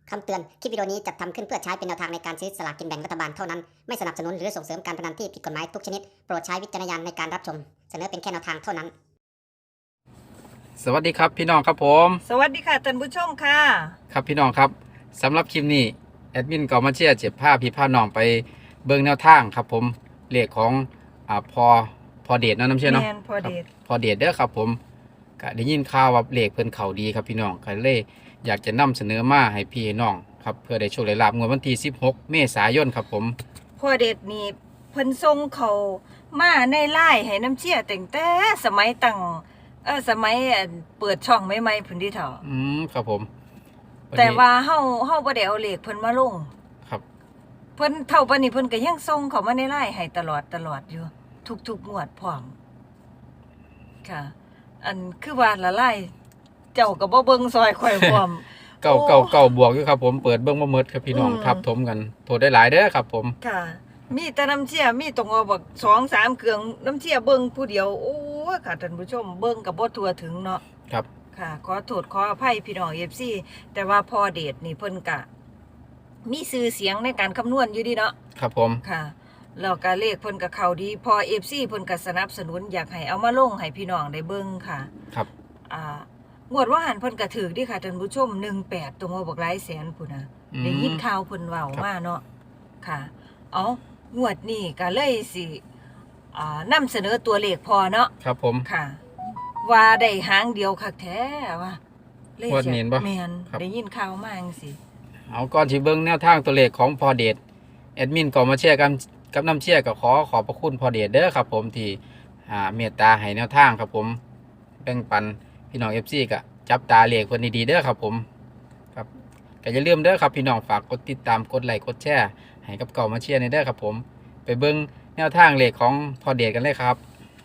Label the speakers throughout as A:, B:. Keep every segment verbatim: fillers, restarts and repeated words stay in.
A: คำเตือน คลิปวิดีโอนี้จัดทำขึ้นเพื่อใช้เป็นแนวทางในการซื้อสลากกินแบ่งรัฐบาลเท่านั้น ไม่สนับสนุนหรือส่งเสริมการพนันที่ผิดกฎหมายทุกชนิด โปรดใช้วิจารณญาณในการรับชม เสนอเป็นแค่แนวทางเท่านั้น
B: สวัสดีครับพี่น้องครับผม
C: สวัสดีค่ะท่านผู้ชมค่ะ
B: ครับพี่น้องครับสำหรับคลิปนี้แอดมินก็มาเชียร์เจ็บผ้าพี่ผ้าน้องไปเบิ่งแนวทางครับผมเลขของอ่าพอพอเดชเนาะน้ำเชื่อเนาะ
C: แมนพอเดช
B: พอเดชเด้อครับผมก็ได้ยินข่าวว่าเลขเพิ่นเขาดีครับพี่น้องก็เลยอยากจะนำเสนอมาให้พี่ให้น้องครับเพื่อได้โชคได้ลาภงวดวันที่สิบหกเมษายนครับผม
C: พอเดชนี่เพิ่นทรงเขามาในไล่ให้น้ำเชี่ยแต่งแต่สมัยตั้งเออสมัยอันเปิดช่องใหม่ๆพุ่นที่เถาะ
B: อืมครับผมนนี้
C: แต่ว่าเฮาเฮาบ่ได้เอาเลขเพิ่นมาลง
B: ครับ
C: เพิ่นเท่าปานนี้เพิ่นก็ยังส่งเขามาในไล่ให้ตลอดตลอดอยู่ ทุกๆงวดพร้อมค่ะ อันคือว่าละไล่เจ้าก็บ่เบิ่งซอยข่อยพร้อม
B: เก่าเก่าเก่าบวกอยู่ครับผมเปิดเบิ่งบ่หมดครับพี่น้อง
C: อืม
B: ทับถมกันโทษได้หลายเด้อครับผม
C: ค่ะ มีแต่น้ำเชี่ยมีตรงเอาบักสองสามเครื่องน้ำเชี่ยเบิ่งผู้เดียวโอ้ยค่ะท่านผู้ชมเบิ่งกับบ่ทั่วถึงเนาะ
B: ครับ
C: ค่ะ ขอโทษขออภัยพี่น้อง เอฟ ซี แต่ว่าพอเดชนี่เพิ่นกะ มีชื่อเสียงในการคำนวณอยู่ดีเนาะ
B: ครับผม
C: ค่ะแล้วก็เลขเพิ่นก็เข้าดีพอ เอฟ ซี เพิ่นก็สนับสนุนอยากให้เอามาลงให้พี่น้องได้เบิ่งค่ะ
B: ครับ
C: อ่างวดว่าหันเพิ่นก็ถือดีค่ะท่านผู้ชมหนึ่งแปดตรงว่าบักหลายแสนพุ่นน่ะ
B: อืม
C: ได้ยินข่าวเพิ่นเว้ามาเนาะค่ะเอางวดนี้ก็เลยสิอ่านำเสนอตัวเลขพอเนาะ
B: ครับผม
C: ค่ะ ว่าได้หางเดียวคักแท้ว่าเลข
B: งวดนี้บ่
C: แม่น
B: ครับ
C: ได้ยินข่าวมาจังซี่
B: เอาก่อนที่เบิ้งแนวทางตัวเลขของพอเดชแอดมินก็มาเชียร์กันกับน้ำเชียร์ก็ขอขอบพระคุณพอเดชเด้อครับผมที่อ่าเมตตาให้แนวทางครับผมแบ่งปันพี่น้อง เอฟ ซี ก็จับตาเลขเพิ่นดีๆเด้อครับผมครับก็อย่าลืมเด้อครับพี่น้องฝากกดติดตามกดไลค์กดแชร์ให้กับเก่ามาเชียร์ในเด้อครับผมไปเบิ้งแนวทางเลขของพอเดชกันเลยครับ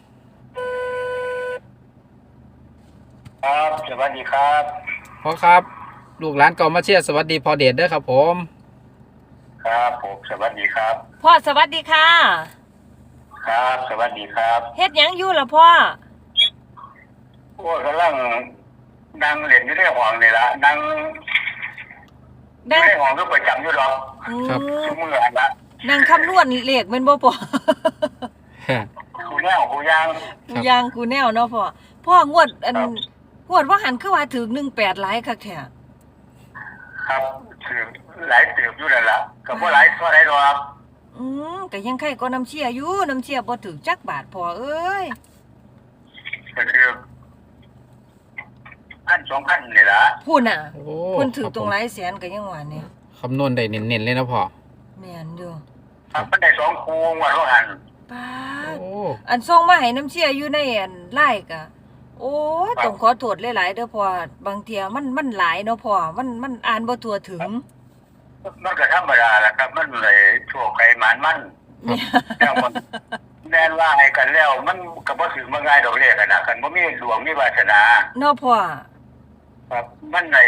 D: ครับสวัสดีครับ
B: พอครับลูกหลานเก่ามาเชียร์สวัสดีพอเดชเด้อครับผม
D: ครับผมสวัสดีครับ
C: พ่อสวัสดีค่ะ
D: ครับสวัสดีครับ
C: เฮ็ดหยังอยู่ล่ะพ่อ
D: โอ้กำลังนั่งเล่นอยู่ในห้องนี่ละนั่งอ
C: นั่
D: ยู่
C: ง
D: ในห้องก็ประจำอยู่หรอก
C: อืม
D: ชั่วมืออันละ
C: นั่งคำนวณเลขแม่นบ่พ่อ
D: คูแนวคูยาง
C: กูยางกูแนวเนาะพ่อพ่องวดอัน
D: ครับ
C: งวดว่าหันคือว่าถึงหนึ่งแปดหลายคักแท้
D: ครับถือหลายเติบอยู่นั่นละก็บ่หลายเท่าไรหรอก
C: อืมก็ยังใครก็น้ำเชี่ยอยู่น้ำเชี่ยบ่ถึงจักบาทพ่อเอ้ย
D: ก็คือพันสองพันนี่ละ
C: พูดน่ะ
B: โอ้
C: เพิ่นถือ
B: ครับ
C: ตรง
B: ผม
C: หลายแสนก็ยังว่านี่
B: คำนวณได้เน้นๆเลยนะพ่อ
C: แม่นอยู่
D: ครับมันได้สองคูงวันละหัน
C: ป้า
B: โอ้
C: ดอันส่งมาให้น้ำเชี่ยอยู่ในอันไลน์ก็โอ้ยต้องขอโทษหลายๆเด้อพ่อบางเที่ยมันมันหลายเนาะพ่อมันมันอ่านบ่ทั่วถึง
D: มันก็ธรรมดาแหละครับ มันเลยชั่วใครหมานมัน
C: เนี่ย
D: แน่มันแน่นว่าให้กันแล้ว มันก็บ่ถึงมาง่ายดอกเลขกันนะกันบ่มีดวงมีวาสนา
C: เนาะพ่อ
D: ครับมันใน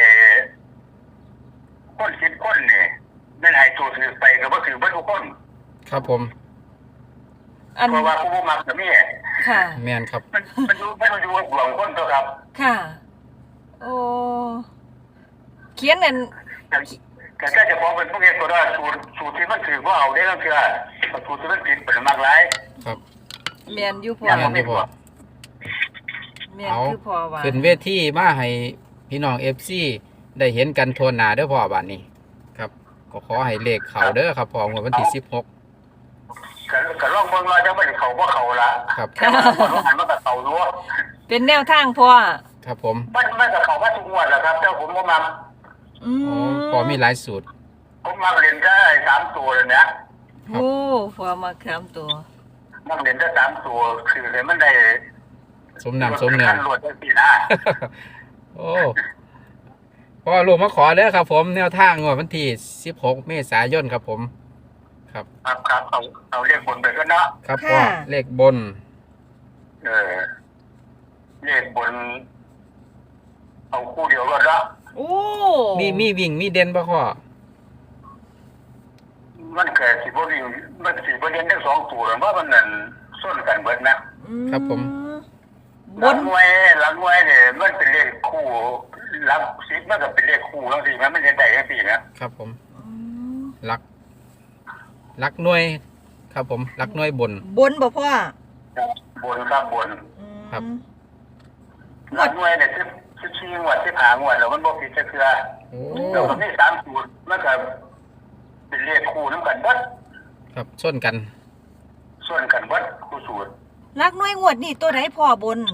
D: คนคิดคนนี่นั่นให้ตัวถือไปก็บ่ถือบ่ทุกคน
B: ครับผม
C: อัน
D: เพราะว่าผู้บ่มักก็มี
C: ค่ะ
B: แมนครับ
D: มันมันอยู่มันอยู่กับดวงคนตัวครับ
C: ค่ะ โอ้ เขียนอัน
D: แต่แต่ถ้าจะพอเป็นพวกเอกก็ได้สูตรสูตรที่มันถือว่าเอาได้ก็คือสูตรที่มันผิดเป็นมากหลาย
B: ครับ
C: แม่นอยู่พ่อ
D: อย่าง
B: แมนที่พ่อ
C: แม่น
B: เอา
C: คือพ่อว่า
B: ขึ้นเวทีมาให้พี่น้องเอฟซีได้เห็นกันทั่วหน้าเด้อพ่อบาดนี้ครับก็ขอให้เลขเขาเด้อครับพ่องวดวันที่สิบหก
D: ก็ก็ลองเบิ่งว่าจะไม่ได้เข้าบ่เข้าละ
B: ครับ
D: แต่ว่าคนหันมันก็เข้าอยู่
C: เป็นแนวทางพ่อ
B: ครับผม
D: มันมันก็เข้ามาทุกงวดแหละครับแต่ผมบ่มัก
C: อื
B: โอ้
C: ม
B: พอมีหลายสูตร
D: ผมมักเล่นได้สามตัวเลยเนี่ย
C: โอ้พ่อมาคำตัว
D: มักเล่นได้สามตัวคือเลยมันได้
B: สมน้ำสมเนื้อ
D: รวดได้สินะ
B: โอ้พ่อลูกมาขอเด้อครับผมแนวทางงวดวันที่สิบหกเมษายนครับผม ครับ
D: ครับครับเอาเอาเรียกบนไปก็เนาะ
B: ครับพ่อเลขบน
D: เออเรียกบน เอาคู่เดียวก็ละ
C: โอ้
B: มีมีวิ่งมีเด่นป่ะพ่อ
D: มันเกิดสิบ่วิ่งมันสิบ่เรียนทั้งสองตัวหรือว่ามันนั่นส้นกันเบิดนะ
C: อืม
B: ครับผม
C: บ
D: หลั
C: น
D: งหน่วยหลังหน่วยเนี่ยมันเป็นเลขคู่หลังสิบมันก็เป็นเลขคู่ทั้งสี่มันไม่ได้ได้ทั้งสี่นะ
B: ครับผม
C: อืม
B: ลักลักหน่วยครับผมลักหน่วยบน
C: บนบ่พ่อ
D: บนครับบน
C: อืม
B: ครับ
D: หลักหน่วยเนี่ยสิบสิบสี่งวดสิบห้างวดแล้วมันบ่ผิดจักเทื่อ
B: โอ้
D: แล้วก็มีสามสูตรมันก็เป็นเลขคู่นำกันเบิด
B: ครับชนกัน
D: ส่วนกันเบิดคู่สูตร
C: ลักหน่วยงวดนี่ตัวไหนพ่อบน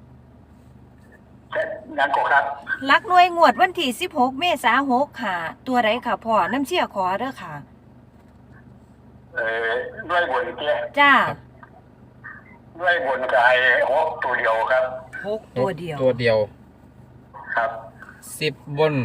D: แต่นั้นก็ครับ
C: ลักหน่วยงวดวันที่สิบหกเมษายนหกค่ะ ตัวไหนค่ะพ่อน้ำเชี่ยขอเด้อค่ะ
D: เอ่อด้วยบนเตี้ย
C: จ้า
D: ด้วยบนก็ให้หกตัวเดียวครับ
C: หกตัวเดียว
B: ตัวเดียว
D: ครับ
B: สิบบน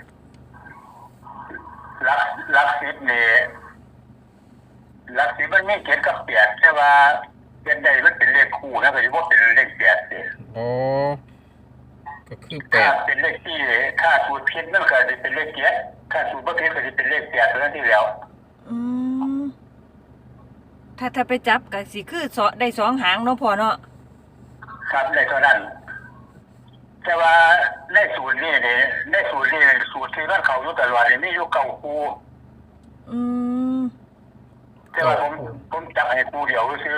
D: ลักลักสิบนี่ลักสิบมันมีเจ็ดกับแปดใช่ว่าเป็นใดมันเป็นเลขคู่นะก็สิบ่เป็นเลขแปดสิ
B: อ๋อก็คือแป
D: ถ้า
B: ด
D: เป็นเลขที่ถ้าสูตรผิดมันก็จะเป็นเลขเจ็ดถ้าสูตรบ่ผิดก็จะเป็นเลขแปดเท่านั้นที่แล้ว
C: อืมถ้าถ้าไปจับก็สิคือสอได้สองหางเนาะพ่อเนาะ
D: ครับในเท่านั้น แต่ว่าในสูตรนี้เนี่ยในสูตรนี้สูตรที่มันเขาอยู่ตลอดนี่มีอยู่เก้าคู่
C: อืม
D: แต่ว่าผมผมจับให้คู่เดียวซื่อ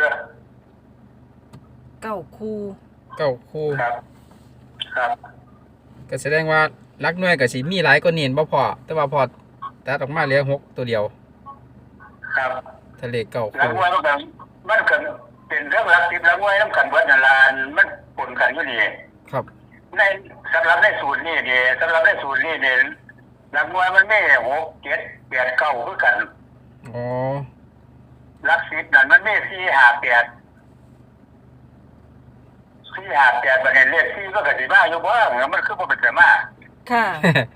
C: เก้าคู่
B: เก้าคู่
D: ครับ ครับ
B: ก็แสดงว่าลักหน่วยกับสีมีหลายก็เนียนบ่พอแต่ว่าพอตัดออกมาเหลือหกตัวเดียว
D: ครับ
B: ทะเลเก้า
D: หลัง
B: คู่
D: ว่ามันก็มันก็เป็นเรื่องรักทิพย์หลังว่าน้ำกันเบิดนั่นล่ะมันปนกันอยู่นี่
B: ครับ
D: ในสำหรับในสูตรนี้เนี่ยสำหรับในสูตรนี้เนี่ยหลังว่ามันไม่หกเจ็ดแปดเก้าคือกัน
B: อ๋อ
D: รักสิบนั่นมันไม่สี่ห้าแปดสี่ห้าแปดประเด็นเลขสี่ก็กติมาอยู่บ้างมันคือบ่เป็นแต่มา
C: ค่ะ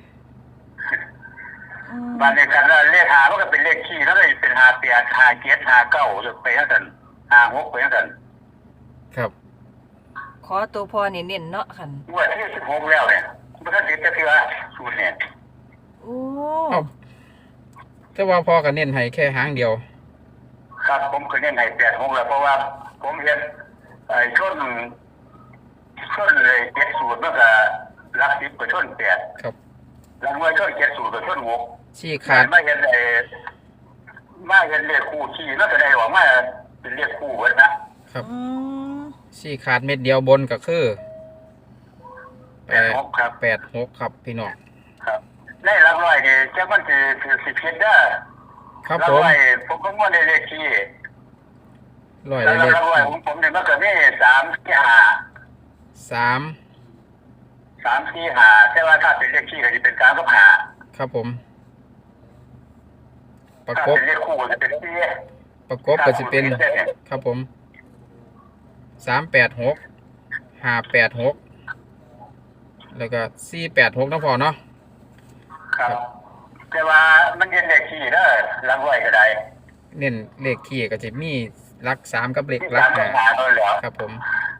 C: อืม
D: บางในกันแล้วเลขหามันก็เป็นเลขขี้แล้วก็เป็นห้าแปดห้าเจ็ดห้าเก้าจนไปทั้งนั้นห้าหกไปทั้งนั้น
B: ครับ
C: ขอตัวพ่อนี่เน้นเนาะคัน
D: งวดที่สิบหกแล้วเนี่ยมันก็ติดแต่คือสูตรเนี่ย
C: โอ้
B: เอ้าแต่ว่าพอกันเน้นให้แค่หางเดียว
D: ครับผมเคยเน้นให้แปดหกแล้วเพราะว่าผมเห็นไอ้ช่วงช่วงเลยเจ็ดสูตรมันก็รักสิบกับช่วงแปด
B: ครับ
D: หลังว่าช่วงเจ็ดสูตรกับช่วงหก
B: ชี้ขาด
D: ไม่เห็นไอ้มาเห็นเลขคู่ขี้แล้วก็ได้ออกมาเป็นเลขคู่เบิดนะครับ
C: อืม
B: ชี้ขาดเม็ดเดียวบนก็คือ
D: แปดหกครับ
B: แปดหกครับพี่น้อง
D: ครับในหลักร้อยนี่จะมันคือคือสิบเอ็ดเด้อ
B: ครับ
D: หลัก
B: ผม
D: ร้อยผมก็ว่าในเลขขี้
B: ร้อย
D: แล้ว
B: เล
D: ห
B: ข
D: ลักร้อยผมผมเนี่ยมันก็มีสามสี่ห้า
B: สาม
D: สามสี่ห้าแต่ว่าถ้าเป็นเลขขี้ก็จะเป็นสามกับห้า
B: ครับผม ประ
D: ถ้าก
B: บ
D: เป็นเลขคู่ก็จะเป็นสี่
B: ประกบก็จะเป็น ครับผมสามแปดหกห้าแปดหกแล้วก็สี่แปดหกนะพอเนาะ
D: ครับแต่ว่ามันเย็นเลขขี้เด้อหลักร้อยก็ได้
B: เน้นเลขขี้ก็จะมีหลักสามกับเลข
D: ที่
B: หลั
D: สาก มกับ
B: ห้า
D: ห้าเท่านั้นแหล้ว
B: ครับผม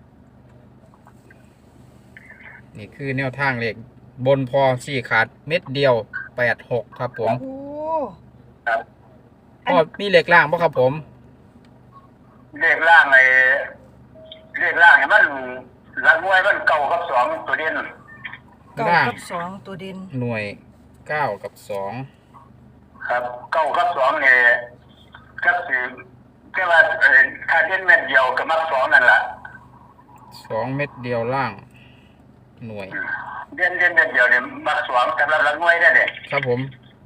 B: นี่คือแนวทางเลขบนพอสี่ขาดเม็ดเดียวแปดหกครับผม
C: โอ้
D: ครับ
B: พอมีเลขล่างป่ะครับผม
D: เลขล่างไอ้เลขล่างเนี่ยมันหลักร้อยมันเก้ากับสองตัวเด่น
C: เก้า
B: ล่าง
C: กับสองตัวเด่น
B: หน่วยเก้ากับสอง
D: ครับเก้ากับสองเนี่ยก็คือแค่ว่าเอ่อถ้าเด่นเม็ดเดียวก็มักสองนั่นแหละ
B: สองเม็ดเดียวล่าง หน่วย
D: เด่นเด่นเม็ดเดียวเนี่ยมักสองสำหรับหลักหน่วยได้เนี่ย
B: ครับผม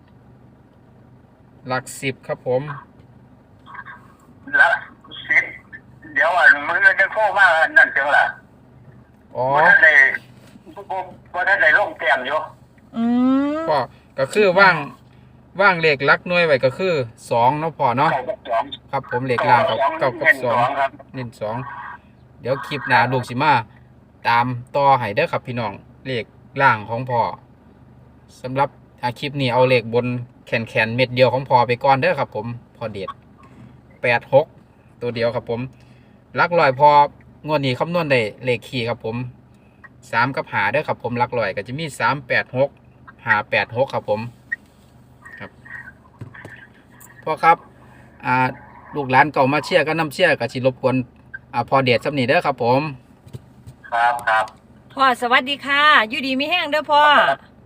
B: หลักสิบครับผม
D: หลักสิบเดี๋ยวอันมือจะโค้มานั่นจังล่ะ
B: อ๋อ
D: เพราะท่านใดเพราะท่านใดลงแต้มอยู่
C: อืม
B: ก็ก็คือว่างว่างเลขหลักหน่วยไว้ก็คือสองเนาะพอเนาะ
D: เก้ากับสอง
B: ครับผมเลขล่างกับเก้ากับ
D: เน้น
B: สอง
D: ครับ
B: เน้นสองเดี๋ยวคลิปหน้าลูกสิมาตามต่อให้เด้อครับพี่น้องเลขล่างของพ่อสำหรับอาคลิปนี้เอาเลขบนแขนแขนๆเม็ดเดียวของพ่อไปก่อนเด้อครับผมพอเด็ดแปดหกตัวเดียวครับผมหลักลอยพองวดนี้คำนวณได้เลขขี่ครับผมสามกับหาเด้อครับผมหลักลอยก็จะมีสามแปดหกหาแปดหกครับผมครับพ่อครับอ่าลูกหลานเก่ามาเชียร์ก็น้ำเชียร์ก็สิรบกวนอ่าพอเด็ดสำนีเด้อครับผม
D: ครับครับ
C: พ่อสวัสดีค่ะ อยู่ดีมีแห้งเด้อพ่อ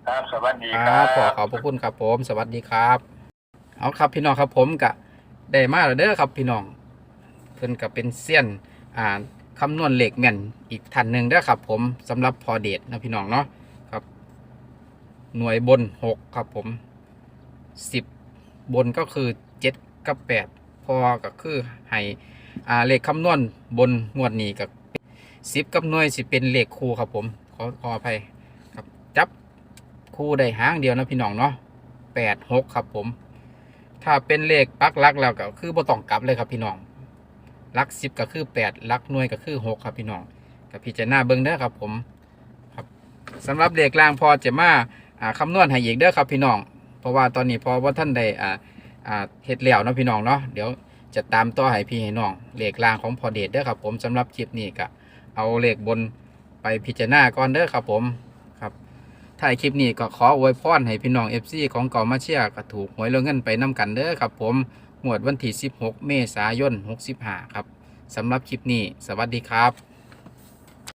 D: ครับสวัสดี
B: ค
D: ค
B: รั
D: รั
B: บบ ขอขอบพระคุณครับผมสวัสดีครับเอาครับพี่น้องครับผมกะได้มาแล้วเด้อครับพี่น้องเพิ่นก็เป็นเซียนอ่าคำนวณเลขแม่นอีกท่านหนึ่งเด้อครับผมสำหรับพอเดชนะพี่น้องเนาะครับหน่วยบนหกครับผมสิบบนก็คือเจ็ดกับแปดพอก็คือให้อ่าเลขคำนวณบนงวดนี้กับสิบกับหน่วยสิเป็นเลขคู่ครับผมขอขออภัยครับจับคู่ได้หางเดียวนะพี่น้องเนาะแปดหกครับผมถ้าเป็นเลขปักหลักแล้วก็คือบ่ต้องกลับเลยครับพี่น้องหลักสิบก็คือแปดหลักหน่วยก็คือหกครับพี่น้องกับพี่จะหน้าเบิ้งเด้อครับผมครับสำหรับเลขล่างพอจะมาอ่าคำนวณให้อีกเด้อครับพี่น้องเพราะว่าตอนนี้พอว่าท่านได้อ่าอ่าเฮ็ดแล้วเนาะพี่น้องเนาะเดี๋ยวจะตามต่อให้พี่ให้น้องเลขล่างของพอเดชเด้อครับผมสำหรับคลิปนี้ก็เอาเลขบนไปพิจารณาก่อนเด้อครับผมครับถ่ายคลิปนี้ก็ขออวยพรให้พี่น้อง เอฟ ซี ของเก่ามาเชียร์ก็ถูกหวยเรื่องเงินไปนํกันเด้อครับผมงวดวันที่สิบหกเมษายนหกสิบห้าครับสำหรับคลิปนี้สวัสดีครับ